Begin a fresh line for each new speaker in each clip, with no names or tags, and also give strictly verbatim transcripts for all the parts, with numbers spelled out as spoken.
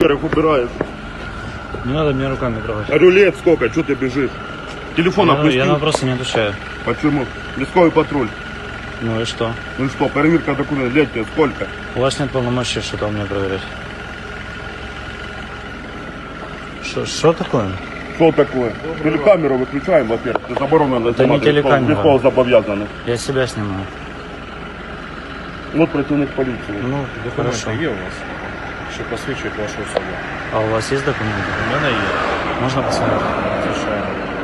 камеры их убираешь.
Не надо меня руками трогать.
Говорю, лет сколько, что ты бежишь? Телефон
Я,
опустил.
я на вопросы не отвечаю.
Почему? Лесковый патруль.
Ну и что?
Ну и что, проверка документов, лет тебе сколько?
У вас нет полномочий что-то у меня проверять. Что- Что такое?
Что такое? Телекамеру выключаем, во-первых. Ты заборонено
Это не телекамера.
Легко зобов'язаний.
Я себя снимаю.
Вот працівник поліції.
Ну, хорошо.
Документи є у вас, що посвідчують вашу особу?
А у вас есть документы?
У мене є.
Можно посмотреть?
Звичайно.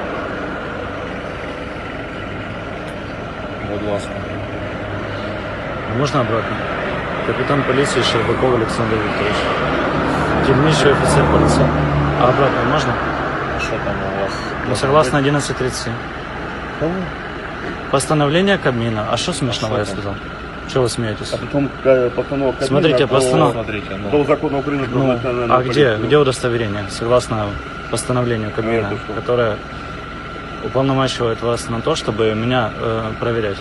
Будь ласка.
Можно обратно? Капитан полиции Щербаков Александр Викторович. Дільничий офицер полиции. А обратно можно?
Що там у вас?
Ну, согласно одиннадцать тридцать семь.
Кого?
Постановление Кабмина. А что смешного
А
я
что там?
сказал? Чего вы смеетесь?
А потом э, постанова Кабмина
Смотрите,
до-
постанова-
Смотрите, ну.
До закона України про
Ну,
національну
а где,
поліцію.
где удостоверение? Согласно постановлению Кабмина,
это что?
которое уполномачивает вас на то, чтобы меня э, проверять.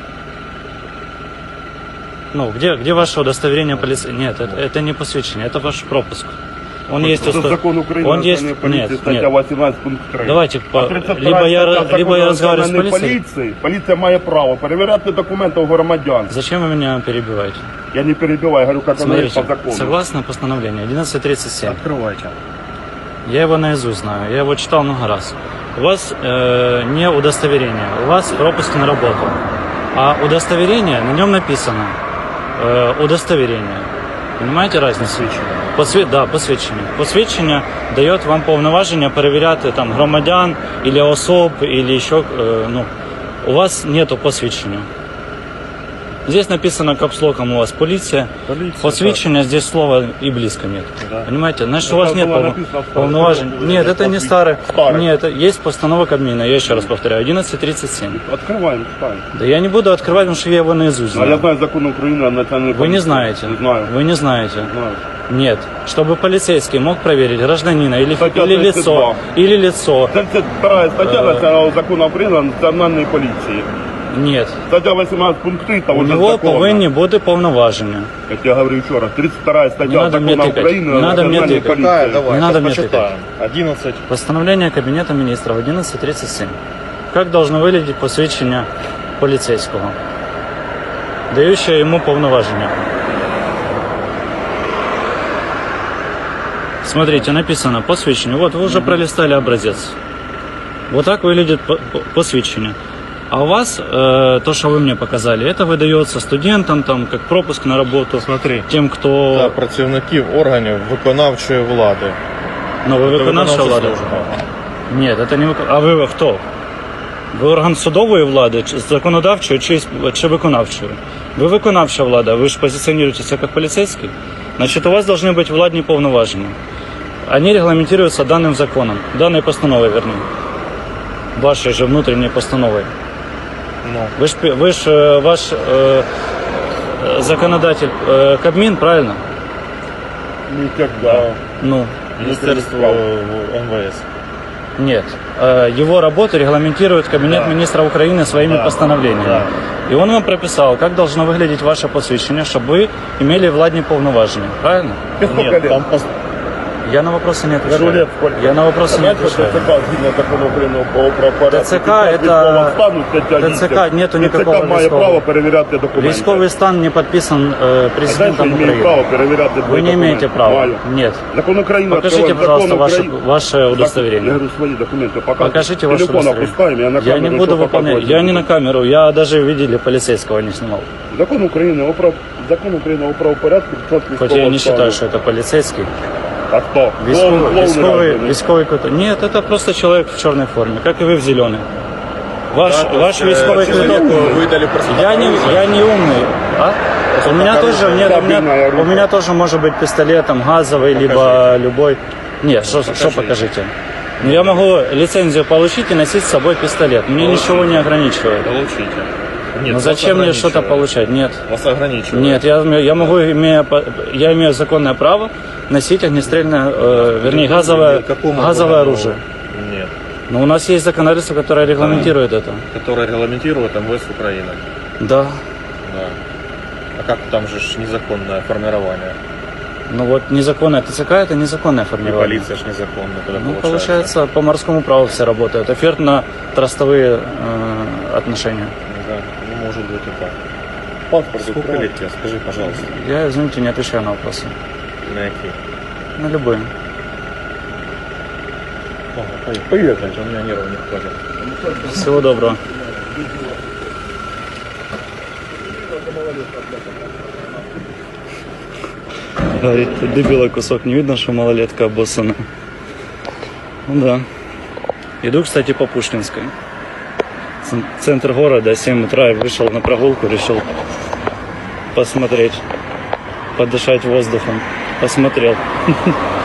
Ну, где, где ваше удостоверение полиции? Нет, это, это не посвящение, это ваш пропуск. Он есть
Це
усто-
закон України
Он
про
есть...
національну поліцію,
Нет,
стаття
нет.
вісімнадцять пункт три.
Давайте, по...
А тридцять
либо
втора
я,
стаття
либо я
закону
разговариваю с
національної
полицией.
поліції. Поліція має право перевіряти документи у громадян.
Зачем вы меня перебиваете?
Я не перебиваю, говорю, как оно есть по
Смотрите,
закону.
согласно постановлению одиннадцать тридцать семь,
Открывайте.
я его наизусть знаю, я его читал много раз. У вас э, не удостоверение, у вас пропуск на работу. А удостоверение, на нем написано э, удостоверение. Понимаете разницу? Посві... Да, посвідчення. Посвідчення дає вам повноваження перевіряти там громадян, или особ, или еще, э, ну, у вас нету посвідчення. Здесь написано капслоком у вас полиция.
Полиция,
Посвящения здесь слова и близко нет.
Да.
Понимаете? Значит,
Это
у вас нет
было
полно-
написано в
полноважений.
постановлении,
Нет, это не
посвя-
старое.
старое.
Нет, это есть постанова Кабмина, я еще раз повторяю, одиннадцать тридцать семь.
Открываем, читаем.
Да я не буду открывать, потому что я его наизусть
А я
знаю.
знаю закон Украины о национальной
Вы
полиции.
не знаете.
Не знаю.
Вы не знаете.
Знаю.
Нет. Чтобы полицейский мог проверить гражданина или,
Статья
или
тридцать два.
лицо, или лицо.
тридцать вторая статья
Э.
национального закона Украины о национальной полиции.
Нет.
Статья восемнадцать пункт три того
У
же
него
закона.
повинні бути повноваження.
Я тебе говорю еще раз. тридцать вторая
Не
статья
надо мне
закона
тыкать.
Украины
Не
о
надо мне
национальной
тыкать.
полиции.
Какая? Давай,
Не надо
сейчас
мне
почитаем. одиннадцать.
Постановление Кабинета министров одиннадцать тридцать семь. Как должно выглядеть посвящение полицейского, дающее ему повноваження? Смотрите, написано посвящение. Вот вы уже пролистали образец. Вот так выглядит по- по- посвящение. А у вас, э, то, что вы мне показали, это выдается студентам, там, как пропуск на работу,
Смотри.
тем, кто...
Та працівників органів виконавчої влади.
Ну, вы
Це
виконавча
виконавча
влада?
служба.
Нет, это не виконавча. А ви хто? Ви орган судової влади, чи законодавчої, чи, чи виконавчої? Ви виконавча влада, ви ж позиціонуєтеся як поліцейський. Значить, у вас должны быть владні повноваження. Они регламентируются данным законом, данной постановой, вернее. Вашей же внутренней постановой.
Ну,
Вы ж, пи- вы ж э, ваш э, э, законодатель э, Кабмин, правильно?
Никогда.
Ну,
Міністерство ем ве ес.
нет. Э, Его работу регламентирует Кабинет
Да.
министров Украины своими
Да.
постановлениями.
Да.
И он вам прописал, как должно выглядеть ваше посвящение, чтобы вы имели владные полноважения. Правильно?
Тебе сколько
Нет,
лет?
там пос-
Я на вопросы не
Говорю,
отвечаю.
лет сколько?
Я на вопросы не
Знаете,
отвечаю.
ТЦК, згідно закону України про правопорядок,
ТЦК
під час
это-
військового стану, стаття
ТЦК
вісім,
нету
ТЦК
никакого
має
військового.
право перевіряти документи.
Військовый стан не подписан э,
А дальше
президентом
имею
Украины.
право перевіряти
Вы не имеете права.
Маю.
Нет.
Закон України
Покажите,
открываем.
пожалуйста,
Закон
ваше,
Украины-
ваше
Я
удостоверение.
говорю, свои документы показываю.
Покажите ваше
Телефон
удостоверение.
опускаем, я на
Я
камеру
не буду
ничего
выполнять.
показывать
Я не на камеру. Я даже видели полицейского не снимал.
Закон України о прав... Закон України о правопорядку під час
Хоть я и
військового
не
стану.
считаю, что это полицейский.
А хто?
Військовый,
Клоун- клоун
військовый,
разве?
військовый какой-то. Нет, это просто человек в черной форме, как и вы в зеленой. Ваш, ваш військовый квиток.
видали просто.
Я не, я не умный. А? У меня тоже, нет, у меня, у меня тоже может быть пистолет там газовый, либо любой. Нет, что, что покажите? Ну, я могу лицензию получить и носить с собой пистолет. Мне ничего не ограничивает.
Получите. Нет,
Но
вас
зачем мне что-то
ограничивает.
получать? Нет.
Вас ограничивает.
Нет, я, я могу, имея, по- я имею законное право носить огнестрельное, э, вернее, газовое,
Какому
газовое
органу?
оружие.
Нет.
Но у нас есть законодательство, которое регламентирует это.
Которое регламентирует эм вэ эс Украины.
Да.
Да. А как там же ж незаконное формирование?
Ну вот незаконная ТЦК это незаконное
И
формирование.
полиция ж незаконно тогда
Ну,
получается.
получается, по морскому праву все работают. Офертно-трастовые э, отношения.
Да, ну, может быть и так. Паспорт сколько лет тебе? Скажи, пожалуйста.
Я, извините, не отвечаю на вопросы.
На какие?
На любые.
Ладно, поехали. Поехали, у меня нервов не хватит.
Всего доброго. Говорит, ты дебила кусок, не видно, что малолетка обоссана. Ну да. Иду, кстати, по Пушкинской. Ц- Центр города, семь утра, я вышел на прогулку, решил посмотреть, подышать воздухом. Посмотрел.